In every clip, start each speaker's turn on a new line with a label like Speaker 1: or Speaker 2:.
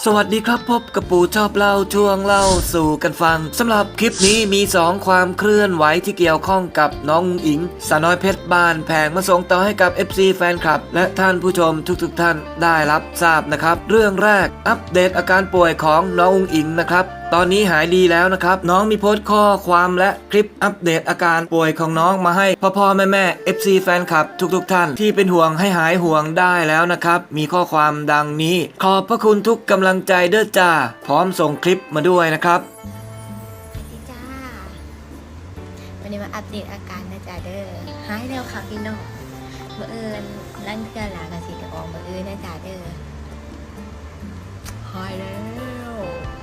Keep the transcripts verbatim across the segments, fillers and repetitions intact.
Speaker 1: สวัสดีครับพบกับปู่ชอบเล่าช่วงเล่าสู่กันฟังสำหรับคลิปนี้มีสองความเคลื่อนไหวที่เกี่ยวข้องกับน้องอิงสาวน้อยเพชรบ้านแพงมาส่งต่อให้กับ เอฟ ซี แฟนคลับและท่านผู้ชมทุกๆ ท่านได้รับทราบนะครับเรื่องแรกอัปเดตอาการป่วยของน้องอุ๋งอิงนะครับตอนนี้หายดีแล้วนะครับน้องมีโพสต์ข้อความและคลิปอัปเดตอาการป่วยของน้องมาให้พ่อพ่อแม่แม่ เอฟ ซี แฟนคลับทุกๆ ท่านที่เป็นห่วงให้หายห่วงได้แล้วนะครับมีข้อความดังนี้ขอบพระคุณทุกกำลังใจเด้อจ้าพร้อมส่งคลิปมาด้วยนะครับ
Speaker 2: สวัสดีจ้าวันนี้มาอัปเดตอาการนะจ๊ะเด้อหายแล้วค่ะพี่น้องเมื่อเอิญลั่นเกลือหลากระสีจะออกเมื่อเอิญนะจ๊ะเด้อหายแล้ว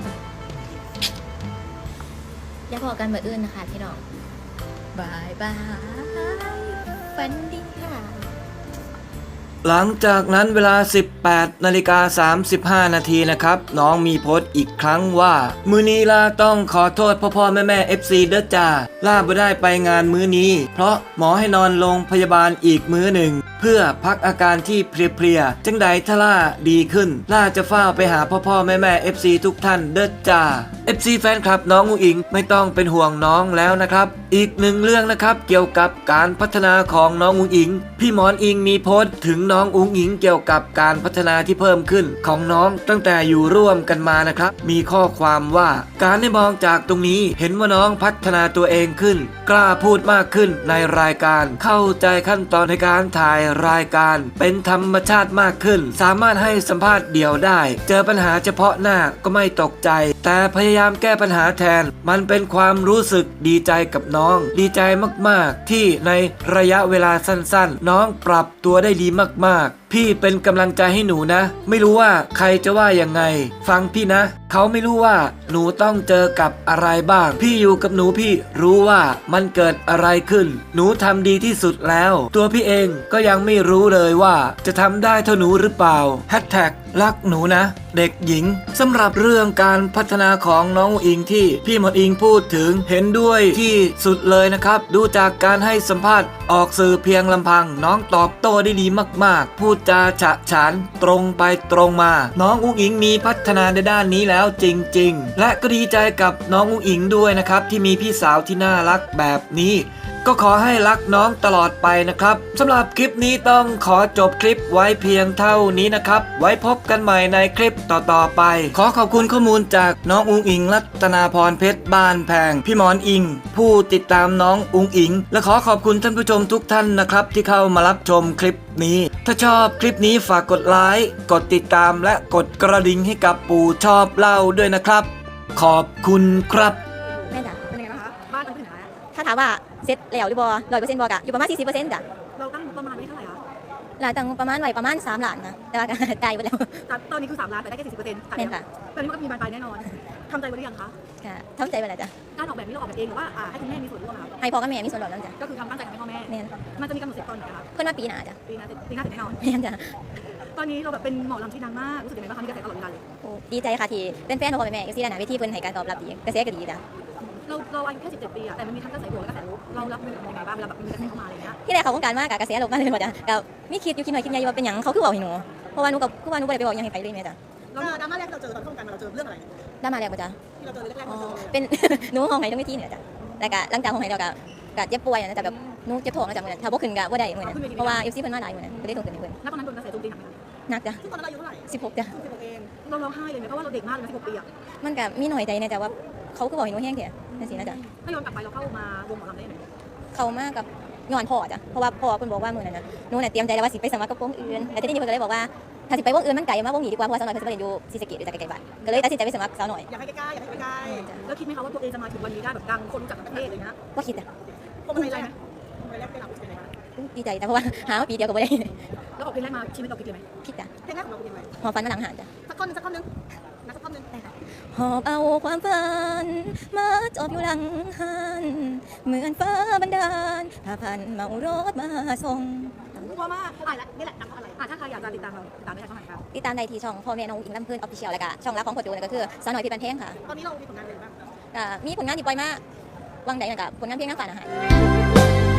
Speaker 2: อย่าพอกันเมื่อเอิญนะคะพี่น้องบายบายฝันดีค่ะ
Speaker 1: หลังจากนั้นเวลา สิบแปดนาฬิกาสามสิบห้า นาทีนะครับน้องมีโพสต์อีกครั้งว่ามื้อนี้ลาต้องขอโทษพ่อพ่อแม่แม่ เอฟ ซี เด้อจ้าลาบ่ได้ไปงานมื้อนี้เพราะหมอให้นอนโรงพยาบาลอีกมื้อหนึ่งเพื่อพักอาการที่เพลียๆจังใดถ้าล่าดีขึ้นล่าจะเฝ้าไปหาพ่อพ่อแม่แม่ เอฟ ซี ทุกท่านเด้อจ้า เอฟ ซี แฟนคลับน้องอุ๋งอิงไม่ต้องเป็นห่วงน้องแล้วนะครับอีกหนึ่งเรื่องนะครับเกี่ยวกับการพัฒนาของน้องอุ๋งอิงพี่หมอนอิงมีโพสต์ถึงน้องอุ๋งอิงเกี่ยวกับการพัฒนาที่เพิ่มขึ้นของน้องตั้งแต่อยู่ร่วมกันมานะครับมีข้อความว่าการได้มองจากตรงนี้เห็นว่าน้องพัฒนาตัวเองขึ้นกล้าพูดมากขึ้นในรายการเข้าใจขั้นตอนในการถ่ายรายการเป็นธรรมชาติมากขึ้นสามารถให้สัมภาษณ์เดี่ยวได้เจอปัญหาเฉพาะหน้าก็ไม่ตกใจแต่พยายามแก้ปัญหาแทนมันเป็นความรู้สึกดีใจกับน้องดีใจมากๆที่ในระยะเวลาสั้นๆน้องปรับตัวได้ดีมากๆพี่เป็นกำลังใจให้หนูนะไม่รู้ว่าใครจะว่ายังไงฟังพี่นะเขาไม่รู้ว่าหนูต้องเจอกับอะไรบ้างพี่อยู่กับหนูพี่รู้ว่ามันเกิดอะไรขึ้นหนูทำดีที่สุดแล้วตัวพี่เองก็ยังไม่รู้เลยว่าจะทำได้เท่าหนูหรือเปล่าแฮชแท็กรักหนูนะเด็กหญิงสำหรับเรื่องการพัฒนาของน้องอิงที่พี่หมดอิงพูดถึงเห็นด้วยที่สุดเลยนะครับดูจากการให้สัมภาษณ์ออกสื่อเพียงลำพังน้องตอบโต้ได้ดีมากๆพูดจาฉะฉานตรงไปตรงมาน้องอุ๋งอิงมีพัฒนาในด้านนี้แล้วจริงๆและก็ดีใจกับน้องอุ๋งอิงด้วยนะครับที่มีพี่สาวที่น่ารักแบบนี้ก็ขอให้รักน้องตลอดไปนะครับสำหรับคลิปนี้ต้องขอจบคลิปไว้เพียงเท่านี้นะครับไว้พบกันใหม่ในคลิปต่อๆไปขอขอบคุณข้อมูลจากน้องอุ๋งอิงรัตนาพรเพชรบ้านแพงพี่หมอนอิงผู้ติดตามน้องอุ๋งอิงและขอขอบคุณท่านผู้ชมทุกท่านนะครับที่เข้ามารับชมคลิปนี้ถ้าชอบคลิปนี้ฝากกดไลค์กดติดตามและกดกระดิ่งให้กับปู่ชอบเล่าด้วยนะครับขอบคุณครับ
Speaker 2: แม่จ๋าเป็นยังไงบ้างคะบ้านตั้งปัญหาถ้าถามว่าเซ็ตแล้วหรือบ่ร้อยเปอร์เซ็นต์บ่กะอยู่ประมาณสี่สิบเปอร์เซ็นต์จ้ะ
Speaker 3: เราตั้งประมาณไว้เท่าไหร่คะ
Speaker 2: หลายตังประมาณไว้ประมาณสามล้านนะแต่ว่าก็ตายไปแล้ว
Speaker 3: ตอนนี้คือสามล้านแต่ได้แค่สี่สิบเปอร์เซ็นต์
Speaker 2: แม่นค่ะ
Speaker 3: ตอนนี้มันก็มีบานปลายแน่นอนทำใจไว้หรือยังคะ
Speaker 2: ค่ะทำใจไปแล้วจ้ะ
Speaker 3: การออกแบบนี้เราออกแบบเองหรือว่าให้คุณแม่มีส่วนร่วมคะ
Speaker 2: ให้พ่อกับแม่มีส่วนร่วมแล้วจ้ะ
Speaker 3: ก็คือทำตั้งใจทำให้พ่อแม่
Speaker 2: แม่น
Speaker 3: มันจะมีกำหนดเสร็จตอนไหนคะ
Speaker 2: เพิ่นว่าปีหน้าจ้ะ
Speaker 3: ปีหน้าเสร็จปีหน้าเสร็จแน่นอน
Speaker 2: แม่นจ้ะ
Speaker 3: ตอนนี้เราแบบเป็นหมอลำที่ดังมากรู้สึกยังไงบ้างคะมีกระแสตลอดเวลาเลย
Speaker 2: โอ้ดีใจค่ะที่เป็นแฟนพ่อแม่เอฟซีด้านหน้าเวทีเพิ่นให้การตอบรับดีกระแสก็ดีจ้ะ
Speaker 3: เราเราอายุแค่สิบเจ็ดปีอะแต่มันมีทั้งกระแสบวกและกระแสลบเรารับมือกับยังไงบ้างเวลาแบบมีกระแสเข้ามาอะไรเงี้ย
Speaker 2: ที่แรกเขาต้องการมากกะกระแสลบมาเลยหมดจ้ะก็มีคิดอยู่คิดหน่อยคิดใหญ่ว่าเป็นหยังเขาคือบอกให้หนูเพราะว่าหนูกับคือว่าหนูบ่ได้ไปบอกยังให้ไปเลยแม่จ้ะ
Speaker 3: แล้วดราม่าแรกที่เราเจอตอนเข้าวงการมาเราเจอเรื่องอะไร
Speaker 2: ดราม่าแรกบ่จ้ะ
Speaker 3: ที่เราเจอแรกๆเราเจอ
Speaker 2: เป็นหนูห้องไหนต้องเวทีเนี่ยจ้ะแต่ก็หลังจากห้องไหนเราก็ก็เจ็บป่วยนะจ้ะแบบหนูเจ็บท้องนะจ้ะมื้อนั้นถ้าบ่ขึ้นก็บ่ได้มื้อนั้นเพราะว่า เอฟ ซี เพิ่นมาหลายมื้อนั้นก็เลยต้องขึ้นให้เพิ่น
Speaker 3: แล้วตอนนั้นโดนกระแสโจมตีหนักไหมคะ
Speaker 2: หนักจ้ะ
Speaker 3: ซึ่งตอนนั้นอายุเท่าไหร่
Speaker 2: สิบหกจ้ะ
Speaker 3: สิบหกเองเราร้องไห้เลยไหมเพราะว่าเราเด็กมากเลยนะสิบหกปีอะ
Speaker 2: มันก็มีหน่อยใจนะจ้ะว่าเขาคือบอกให้หนูแห้งแท้จังซี่นะจ้ะ
Speaker 3: ถ้าย้อนกลับไปเราเข้ามาวงหมอลำได้ยังไง
Speaker 2: เข้ามากับย้อนพ่อจ้ะเพราะว่าพ่อเพิ่นบอกว่ามื้อนั้นน่ะหนูน่ะเตรียมใจแล้วว่าสิไปสมัครกับวงอื่นแต่ทีนี้เพิ่นก็เลยบอกว่าถ้าสิไปวงอื่นมันไกลมาวงนี้ดีกว่าเพราะว่าสาวน้อยเพิ่นสิไปเรียนอยู่ศรีสะเกษอยู่จากไกลๆบ้านก็เลยตัดสินใจไปสมัครสาวน้อย
Speaker 3: อยากให้ใกล้ๆอยากให้ใกล้แล้วคิดไหมคะว่าตัวเองจะมาถึงวันนี้ได้แบบดังคนรู้จักทั้งประเทศเลยนะ
Speaker 2: บ่คิดจ้ะ
Speaker 3: ภูมิใจไหมภูมิใจแรกเป็นเราเป็นไงบ้าง
Speaker 2: ดีใจแต่เพราะว่าหามาปีเดียวก็บ่ได้
Speaker 3: แล้วออกเพลงแรกมาชีวิตเราคิดเลยไหม
Speaker 2: คิดจ้ะ
Speaker 3: เพลงแรกของเราเป็นยังไง
Speaker 2: หอบฝันมาหลังหานจ้ะ
Speaker 3: สักท่อนนึงสักท่อนนึงนะสักท่อนนึง
Speaker 2: หอบเอาความฝันมาจอบอยู่หลังหันเหมือนฟ้าบันดาลพาพันเมารถมาส่ง
Speaker 3: เพราะว่าอะไรนี่แหละดังเพราะอะไรถ้าใครอยากจะติดตามเราติดตามได้ช่องไหนครับ
Speaker 2: ติดตามได้ที่ช่องพ่อแม่น้องอิงลำเพื่อนออฟฟิเชียลแล้วก็ช่องรักของพ่อโจนั่นก็คือสาวน้อยเพชรบ้านแพงค่ะ
Speaker 3: ตอนนี้เรามีผลงานอะไรบ้าง
Speaker 2: มีผลงานที่ปล่อยมาวังใดนะครับผลงานเพลงน้ำฝาดอาหาร